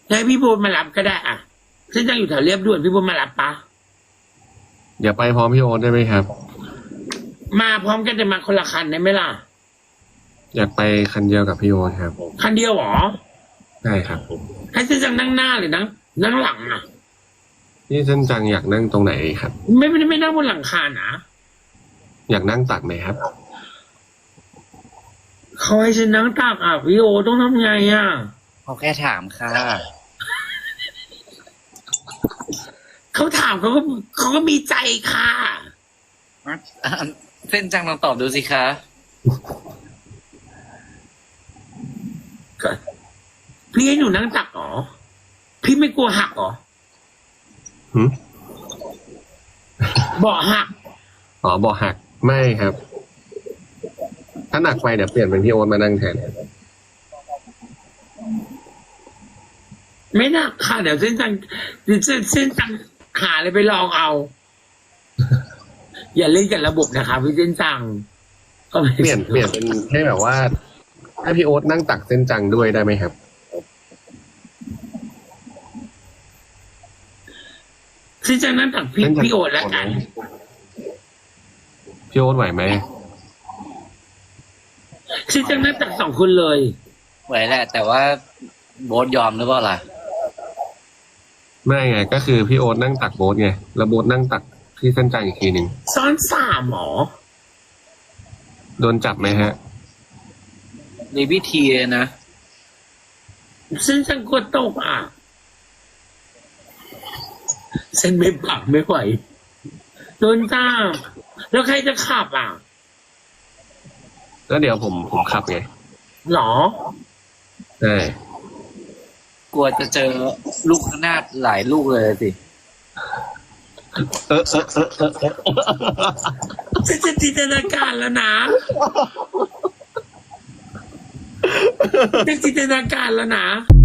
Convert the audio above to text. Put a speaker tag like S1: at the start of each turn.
S1: ให้พี่บูนมารับก็ได้อ่ะฉันยังอยู่แถวเรียบด่วนพี่บูนมารับปะ
S2: เดี๋ยวไปพร้อมพี่โอ๊ตได้ไหมครับ
S1: มาพร้อมกันแต่มาคนละคันได้ไหมล่ะ
S2: อยากไปคันเดียวกับพี่โอ๊ตครับ
S1: คันเดียวหรอ
S2: ใช่ครับ
S1: ให้ฉันจังนั่งหน้าหรือนั่งหลังอ่ะ
S2: นี่เส้นจังอยากนั่งตรงไหนครับ
S1: ไม่นั่งบนหลังคานะ
S2: อยากนั่งตักไหมครับ
S1: เขาให้ฉันนั่งตักอ่ะพี่โอต้องทำไงอ่ะ
S3: เขาแค่ถามค่ะ
S1: เขาถามเขาก็มีใจค่ะ
S3: เส้นจังลองตอบดูสิคะ
S1: พี่ให้หนูนั่งตักเหรอพี่ไม่กลัวหักเหรอ
S2: หืม
S1: เบาะหัก
S2: อ๋อบ่หักไม่ครับ ถ้าหนักไปเดี๋ยวเปลี่ยนเป็นพี่โอ๊ตมานั่งแทน
S1: ไม่หนักค่ะเดี๋ยวเส้นจังหาเลยไปลองเอา อย่าเล่นกับระบบนะคะพี่เส้นจังก็ไม่
S2: เปลี่ยนเป็นให้แบบว่าให้พี่โอ๊ตนั่งตักเส้นจังด้วยได้ไหมครับ
S1: เส้นจังนั่งตักพี่โอดแล้วกัน
S2: พี่โอ๊ตไหวไหม
S1: เส้นจังนั่งตักสองคนเลย
S3: ไหวแหละ แต่ว่าโบ๊ทยอมหรือเปล่าล่ะ
S2: ไม่ไงก็คือพี่โอ๊ตนั่งตักโบ๊ทไงแล้วโบ๊ทนั่งตักพี่เส้นจังอีกทีหนึ่ง
S1: ซ้อนสามหมอ
S2: โดนจับไหมฮะ
S3: มีวิธีเลยนะ
S1: เส้นจังกลัวตกอ่ะเส้นไม่ปักไม่ไหวโดนจ้าแล้วใครจะขับอ่ะ
S2: แล้วเดี๋ยวผมขับไง
S1: หรอ
S2: ใช่
S3: กลัวจะเจอลูกระนาดหลายลูกเลยสิ
S1: ฉันจะจินตนาการแล้วนะจะจินตนาการแล้วนะ